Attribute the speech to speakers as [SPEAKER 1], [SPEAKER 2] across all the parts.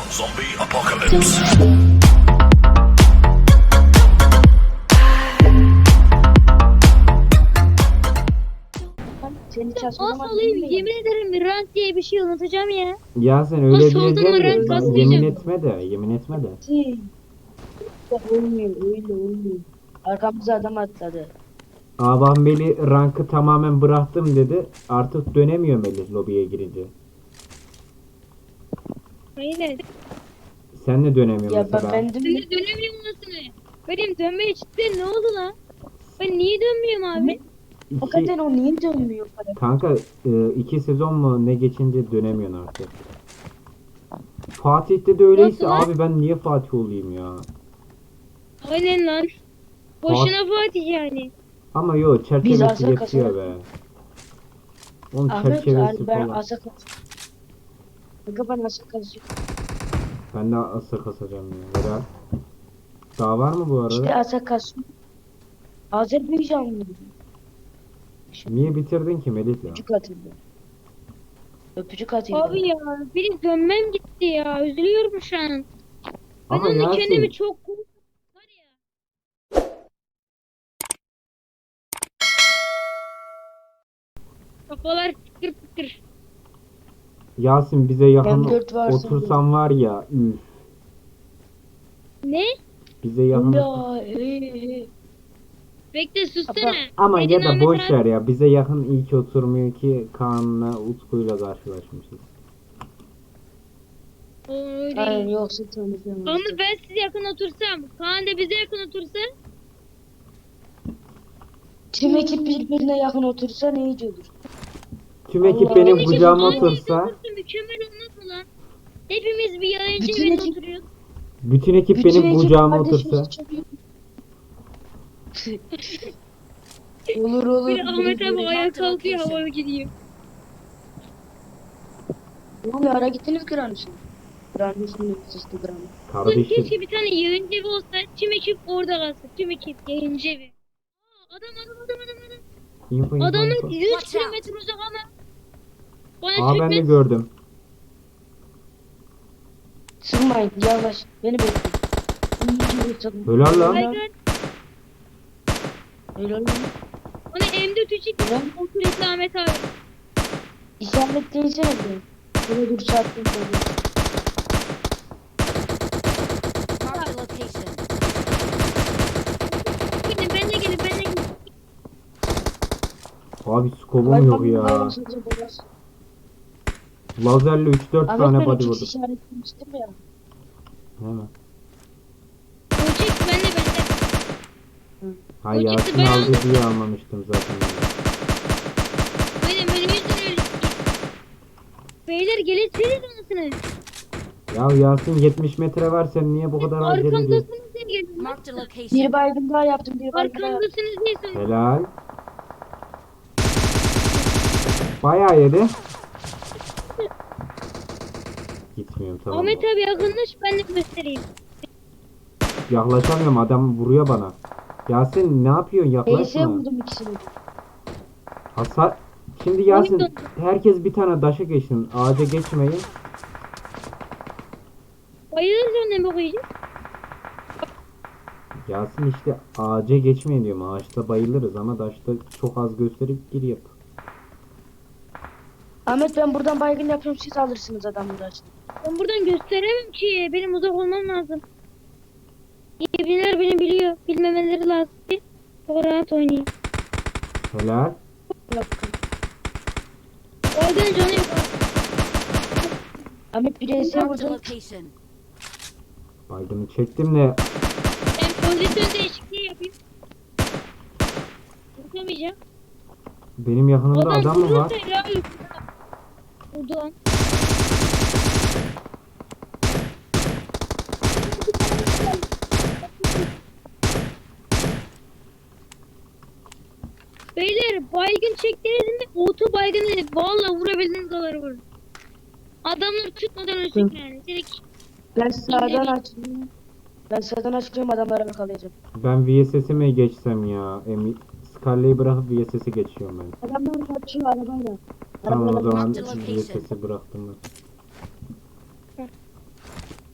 [SPEAKER 1] Zombie apocalypse.
[SPEAKER 2] Seni
[SPEAKER 3] Az
[SPEAKER 2] çalışmadan
[SPEAKER 3] olayım yemin ederim rank diye bir şey unutacağım ya.
[SPEAKER 4] Ya sen öyle
[SPEAKER 3] soldan
[SPEAKER 4] diyeceksin
[SPEAKER 3] rank
[SPEAKER 4] de
[SPEAKER 3] kasmayacağım.
[SPEAKER 4] yemin etme de, yemin etme de.
[SPEAKER 2] olmuyor öyle olmuyor. Arkamıza adam atladı.
[SPEAKER 4] Aban Melih rankı tamamen bıraktım dedi. Artık dönemiyor Melih lobiye girince.
[SPEAKER 3] Aynen.
[SPEAKER 4] Sen de dönemiyorsun
[SPEAKER 2] Ya
[SPEAKER 4] mesela.
[SPEAKER 2] ben
[SPEAKER 3] Ben de dönemiyorum anasını. Benim dönmeye çıktı ne oldu lan? Ben niye dönmüyorum abi?
[SPEAKER 2] hakikaten o niye dönmüyor para?
[SPEAKER 4] Kanka 2 sezon mu ne geçince dönemiyorsun artık. Fatih'te de öyleyse
[SPEAKER 3] Nasıl lan?
[SPEAKER 4] abi ben niye Fatih olayım ya?
[SPEAKER 3] Aynen lan. Boşuna Fatih yani.
[SPEAKER 4] Ama yo
[SPEAKER 2] Biz
[SPEAKER 4] çerçevesi
[SPEAKER 2] asıl
[SPEAKER 4] yetiyor
[SPEAKER 2] kasarak-
[SPEAKER 4] be. Onun
[SPEAKER 2] Ahmet
[SPEAKER 4] çerçevesi
[SPEAKER 2] abi ben
[SPEAKER 4] falan.
[SPEAKER 2] asa Kanka ben asa kasıyorum.
[SPEAKER 4] Ben de asır kasacağım ya. Helal. Daha var mı bu arada?
[SPEAKER 2] İşte asa kasıyorum. Azerbaycanlı.
[SPEAKER 4] Niye bitirdin ki Melih ya?
[SPEAKER 2] Öpücük atıldı. Öpücük atıldı.
[SPEAKER 3] Abi ya benim dönmem gitti ya. Üzülüyorum şu an. Ben
[SPEAKER 4] Ama
[SPEAKER 3] onu
[SPEAKER 4] Yasin,
[SPEAKER 3] kendimi çok var ya. Kafalar tıkır tıkır.
[SPEAKER 4] Yasin bize yakın
[SPEAKER 2] M4 varsa
[SPEAKER 4] otursan var ya, üf.
[SPEAKER 3] Ne?
[SPEAKER 4] Bize yakın.
[SPEAKER 2] Ya
[SPEAKER 3] Bekle sussana.
[SPEAKER 4] Ama
[SPEAKER 3] Neden
[SPEAKER 4] ya da
[SPEAKER 3] Ahmet
[SPEAKER 4] boş
[SPEAKER 3] abi?
[SPEAKER 4] ver ya. Bize yakın iyi ki oturmuyor ki Kaan'la Utku'yla karşılaşmışız.
[SPEAKER 3] O öyle.
[SPEAKER 2] Aynen yoksa tanıdıyorum.
[SPEAKER 3] Ama ben size yakın otursam, Kaan da bize yakın otursa,
[SPEAKER 2] Tüm ekip birbirine yakın otursa ne iyice olur.
[SPEAKER 4] Tüm
[SPEAKER 2] Allah
[SPEAKER 4] ekip
[SPEAKER 2] Allah.
[SPEAKER 4] benim
[SPEAKER 3] Bizim
[SPEAKER 4] kucağıma
[SPEAKER 3] aynı evde
[SPEAKER 4] otursa,
[SPEAKER 3] otursa mükemmel olmaz mı lan? Hepimiz bir yayıncı
[SPEAKER 2] Bütün
[SPEAKER 3] evinde
[SPEAKER 2] ekip-
[SPEAKER 3] oturuyoruz.
[SPEAKER 4] bütün ekip
[SPEAKER 2] Bütün
[SPEAKER 4] benim
[SPEAKER 2] ekip
[SPEAKER 4] kucağıma
[SPEAKER 2] kardeşimiz
[SPEAKER 4] otursa.
[SPEAKER 2] çok- Olur olur.
[SPEAKER 3] Bir Ahmet abi ayağa kalkıyor havaya gidiyor.
[SPEAKER 2] Ne oluyor ara gittiniz Granus'un. Granus'un nefesi Granus.
[SPEAKER 3] Ulan
[SPEAKER 4] Kardeşim,
[SPEAKER 3] keşke bir tane yayıncı evi olsa, tüm ekip orada kalsa, tüm ekip yayıncı evi. Aa, adam.
[SPEAKER 4] info.
[SPEAKER 3] Adamın 100 kilometre uzak ama. Bana
[SPEAKER 4] Aa ben de
[SPEAKER 3] çökmez.
[SPEAKER 4] gördüm.
[SPEAKER 2] Sırmayın yavaş beni bekle. İyice bekledim.
[SPEAKER 4] Helal lan.
[SPEAKER 3] Baygın,
[SPEAKER 2] Helal lan.
[SPEAKER 3] bana M4 çek.
[SPEAKER 2] Helal.
[SPEAKER 3] Oturetli Ahmet abi.
[SPEAKER 2] İşaretleyinsene bir. Böyle dur saatten sonra.
[SPEAKER 5] Mark the location.
[SPEAKER 3] Gidin ben de gelin.
[SPEAKER 4] Abi skobum yok ya. Lazerle 3-4
[SPEAKER 2] Ahmet
[SPEAKER 4] tane
[SPEAKER 2] ben
[SPEAKER 4] body
[SPEAKER 2] iki
[SPEAKER 4] vurdum.
[SPEAKER 2] işaretlemiştim ya.
[SPEAKER 4] Hemen.
[SPEAKER 3] O çek ben de.
[SPEAKER 4] Ha
[SPEAKER 3] O çıktı,
[SPEAKER 4] Yasin
[SPEAKER 3] ben
[SPEAKER 4] aldı
[SPEAKER 3] aldım.
[SPEAKER 4] diye almamıştım zaten.
[SPEAKER 3] Aynen benim yüzümden öyle. Beyler gelirseniz anasını.
[SPEAKER 4] Ya Yasin 70 metre var, sen niye bu kadar acele ediyorsun?
[SPEAKER 3] Arkamdasınız diye geldim.
[SPEAKER 5] Mark the
[SPEAKER 2] Bir
[SPEAKER 5] location.
[SPEAKER 2] baygın daha yaptım. Bir baygın daha yaptım.
[SPEAKER 3] Arkamdasınız diye söyledim.
[SPEAKER 4] Helal. Bayağı yedi. Gitmiyorum tamam.
[SPEAKER 3] Ahmet abi yakınlaş ben de göstereyim.
[SPEAKER 4] Yaklaşamıyorum, adam vuruyor bana. Yasin ne yapıyorsun,
[SPEAKER 2] ES
[SPEAKER 4] yaklaşma.
[SPEAKER 2] vurdum ikisini.
[SPEAKER 4] Hasar. Şimdi Yasin
[SPEAKER 3] Oyun
[SPEAKER 4] herkes bir tane daşa geçsin. Ağaca geçmeyin.
[SPEAKER 3] Bayılırız önüne mi koyacağız?
[SPEAKER 4] Yasin işte ağaca geçmeyin diyorum. Ağaçta bayılırız ama daşta çok az gösterip gir yap.
[SPEAKER 2] Ahmet ben buradan baygın yapıyorum siz alırsınız adamları.
[SPEAKER 3] Ben buradan gösteremem ki. Benim uzak olmam lazım. Yebiler beni biliyor. Bilmemeleri lazım ki. Çok rahat oynayayım.
[SPEAKER 4] Helal.
[SPEAKER 3] Oradan canı yok.
[SPEAKER 2] Ahmet bir ES
[SPEAKER 5] Mark the
[SPEAKER 2] vurdum.
[SPEAKER 5] location.
[SPEAKER 4] Baygını çektim de
[SPEAKER 3] Ben pozisyon değişikliği yapayım. Vuramayacağım.
[SPEAKER 4] benim yakınımda adam mı var?
[SPEAKER 3] vurursa helal olsun ha. Vurdu lan. Beyler baygın çektiniz mi? Oto baygın dedi. Valla vurabildiğiniz kadar vurun. Adamları tutmadan ölsün yani. Direkt
[SPEAKER 2] Ben sağdan açıyorum. Ben sağdan açıyorum adamlara yakalayacağım.
[SPEAKER 4] Ben VSS'ime geçsem ya. Scarlet'i bırakıp VSS'e geçiyorum ben.
[SPEAKER 2] Adamlar kaçıyor arabayla.
[SPEAKER 4] Tamam o
[SPEAKER 2] Arabayla
[SPEAKER 4] zaman
[SPEAKER 5] Marked location.
[SPEAKER 4] VSS'i bıraktım ben.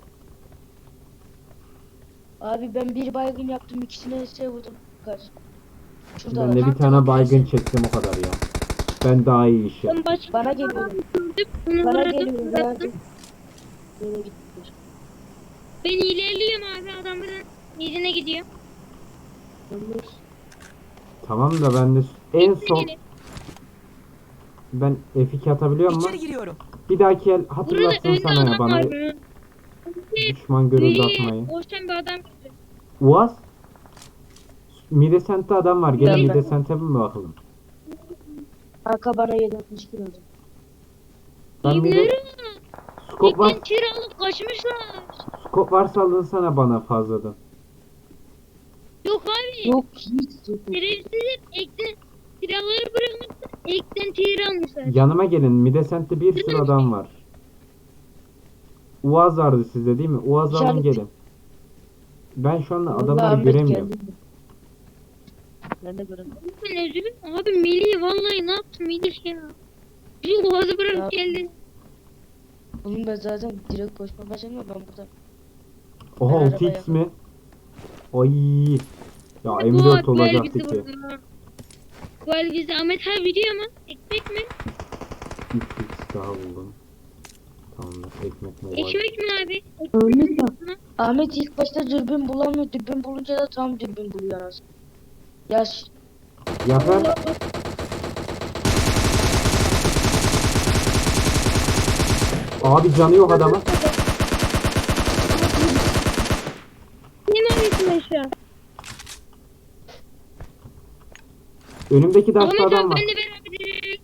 [SPEAKER 2] Abi ben bir baygın yaptım, ikisine ise vurdum. Kaç. Şurada
[SPEAKER 4] Ben de
[SPEAKER 2] var.
[SPEAKER 4] bir tane baygın çektim o kadar ya. Ben daha iyi iş yaptım.
[SPEAKER 3] Ben başka
[SPEAKER 2] Bana geliyor.
[SPEAKER 3] gördüm. Onu
[SPEAKER 2] Bana
[SPEAKER 3] vurdum.
[SPEAKER 2] geliyor.
[SPEAKER 3] Bıraktım.
[SPEAKER 2] Verdim. Nereye gittiler?
[SPEAKER 3] Ben ilerliyorum abi. Adam buradan yerine gidiyor.
[SPEAKER 2] Ölmüş.
[SPEAKER 4] Tamam da ben de en son
[SPEAKER 3] Gelin.
[SPEAKER 4] ben F2 atabiliyor
[SPEAKER 1] İçeri
[SPEAKER 4] muyum?
[SPEAKER 1] giriyorum.
[SPEAKER 4] Bir dahaki el
[SPEAKER 3] Burada
[SPEAKER 4] hatırlatsın
[SPEAKER 3] önde
[SPEAKER 4] sana ya
[SPEAKER 3] adam
[SPEAKER 4] bana
[SPEAKER 3] var. Önde
[SPEAKER 4] düşman görüldü
[SPEAKER 3] biri
[SPEAKER 4] atmayı.
[SPEAKER 3] koşan bir adam gördüm.
[SPEAKER 4] Uaz Midesent'te adam var. Gelin
[SPEAKER 2] Ben-
[SPEAKER 4] Midesent'e mi bakalım?
[SPEAKER 2] Arka bana 762 oldu.
[SPEAKER 4] Ben Mide
[SPEAKER 3] Kimleri?
[SPEAKER 4] skop var.
[SPEAKER 3] Ekten tir alıp kaçmışlar.
[SPEAKER 4] Skop varsa alınsana bana fazladan.
[SPEAKER 3] Yok abi.
[SPEAKER 2] Yok hiç yok.
[SPEAKER 3] Şerefsizler ekten silahları bırakmışlar. Ekten tir almışlar.
[SPEAKER 4] Yanıma gelin. Midesent'te bir sürü adam var. Uaz vardı sizde değil mi? Uaz alın
[SPEAKER 2] İşaret-
[SPEAKER 4] gelin. Ben şu anda
[SPEAKER 2] Vallahi
[SPEAKER 4] adamları
[SPEAKER 2] Ahmet
[SPEAKER 4] göremiyorum.
[SPEAKER 2] geldi. Ben de göremiyorum.
[SPEAKER 3] Ben üzülüm. Abi Melih vallahi ne yaptın Melih ya? Bir boğazı
[SPEAKER 2] Ya.
[SPEAKER 3] bırakıp geldin.
[SPEAKER 2] Oğlum ben zaten direkt koşma başlamıyorum, ben burada.
[SPEAKER 4] Oha
[SPEAKER 2] Ben
[SPEAKER 4] 6x
[SPEAKER 2] arabaya-
[SPEAKER 4] mi? Ay. Ya
[SPEAKER 3] Bu
[SPEAKER 4] M4
[SPEAKER 3] el
[SPEAKER 4] olacaktı
[SPEAKER 3] bizi
[SPEAKER 4] ki.
[SPEAKER 3] vurdu. Bu el bizi Ahmet abi biliyor mu? Ekmek mi?
[SPEAKER 4] 3x daha buldum. Tamamdır. Ekmek mi var?
[SPEAKER 3] Ekmek mi abi?
[SPEAKER 2] Öyle mi?
[SPEAKER 3] Ekmek.
[SPEAKER 2] Ahmet ilk başta dürbün bulamıyor. Dürbün bulunca da tam dürbün buluyor aslında. Yaş.
[SPEAKER 4] Yafer. Abi canı yok adamın.
[SPEAKER 3] Ne mi arıyorsun ben şu an?
[SPEAKER 4] Önümdeki daşta
[SPEAKER 3] Ahmet
[SPEAKER 4] adam
[SPEAKER 3] abi
[SPEAKER 4] var.
[SPEAKER 3] benle beraber.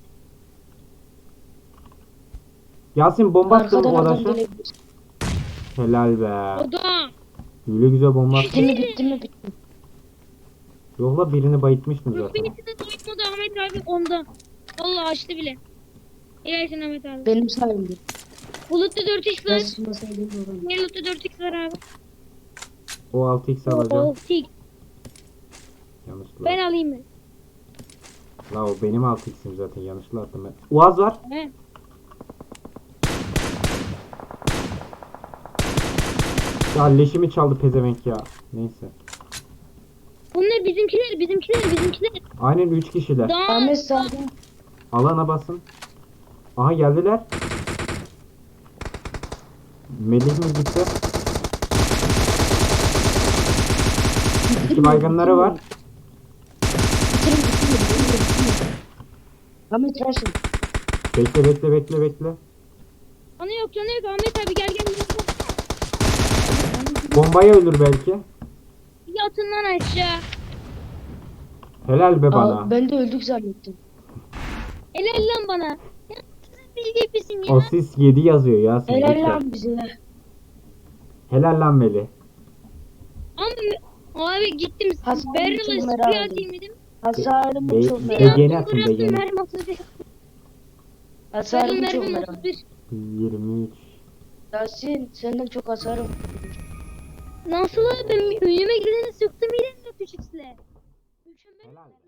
[SPEAKER 4] Yasin bomba attın
[SPEAKER 2] Arkadan
[SPEAKER 4] o
[SPEAKER 2] adam
[SPEAKER 4] daşa.
[SPEAKER 2] gelebilir.
[SPEAKER 4] Helal be.
[SPEAKER 3] O da.
[SPEAKER 4] Öyle güzel bomba attın.
[SPEAKER 2] Bitti mi bitti mi bitti.
[SPEAKER 4] Yok la birini bayıtmıştım
[SPEAKER 3] Yok
[SPEAKER 4] zaten.
[SPEAKER 3] birisi de doymadı Ahmet abi onda. Vallahi açtı bile. Helalsin Ahmet abi.
[SPEAKER 2] Benim sayemde.
[SPEAKER 3] Bulutlu 4x
[SPEAKER 2] Ben
[SPEAKER 3] var.
[SPEAKER 2] sıkmasaydım da olur.
[SPEAKER 3] Bulutlu 4x var abi.
[SPEAKER 4] O 6x alacağım.
[SPEAKER 3] O tik.
[SPEAKER 4] Yanlışlıkla.
[SPEAKER 3] Ben alayım mı?
[SPEAKER 4] La o benim 6x'im zaten yanlışlıkla attım ben. Uaz var.
[SPEAKER 3] He.
[SPEAKER 4] Ya leşimi çaldı pezevenk ya. Neyse.
[SPEAKER 3] Bunlar bizimkiler.
[SPEAKER 4] Aynen 3 kişiler.
[SPEAKER 3] Daha
[SPEAKER 2] Ahmet sağdan.
[SPEAKER 4] Alana basın. Aha geldiler. Melih mi gitti? İki baygınları var.
[SPEAKER 2] Bitirin. Ahmet Raşim.
[SPEAKER 4] Bekle.
[SPEAKER 3] Canı yok Ahmet abi gel.
[SPEAKER 4] Bombaya ölür belki.
[SPEAKER 3] Yatın lan aşağı.
[SPEAKER 4] Helal be bana.
[SPEAKER 2] Aa, ben de öldük zannettim.
[SPEAKER 3] Helal lan bana. Ya siz bilgi misin ya?
[SPEAKER 4] Asist 7 yazıyor Yasin.
[SPEAKER 2] Helal
[SPEAKER 4] lütfen.
[SPEAKER 2] lan bize.
[SPEAKER 4] Helal lan Melih.
[SPEAKER 3] Abi gittim.
[SPEAKER 2] Hasan
[SPEAKER 3] Barrel'ı
[SPEAKER 2] çok merak
[SPEAKER 3] sprey
[SPEAKER 2] ettim.
[SPEAKER 3] atayım dedim.
[SPEAKER 2] Hasarımı
[SPEAKER 4] Be-
[SPEAKER 2] çok
[SPEAKER 4] be-
[SPEAKER 2] merak
[SPEAKER 4] Begeni
[SPEAKER 2] ettim.
[SPEAKER 4] atın,
[SPEAKER 3] Bıraktım
[SPEAKER 4] begeni.
[SPEAKER 3] mermi 31.
[SPEAKER 2] Hasarımı çok
[SPEAKER 3] Mermi
[SPEAKER 2] merak ettim.
[SPEAKER 3] 31.
[SPEAKER 4] 23.
[SPEAKER 2] Yasin senden çok hasarım.
[SPEAKER 3] Nasıl abi ben önüme gideni sıktım yine 3x'le. Mükemmel.
[SPEAKER 4] Helal.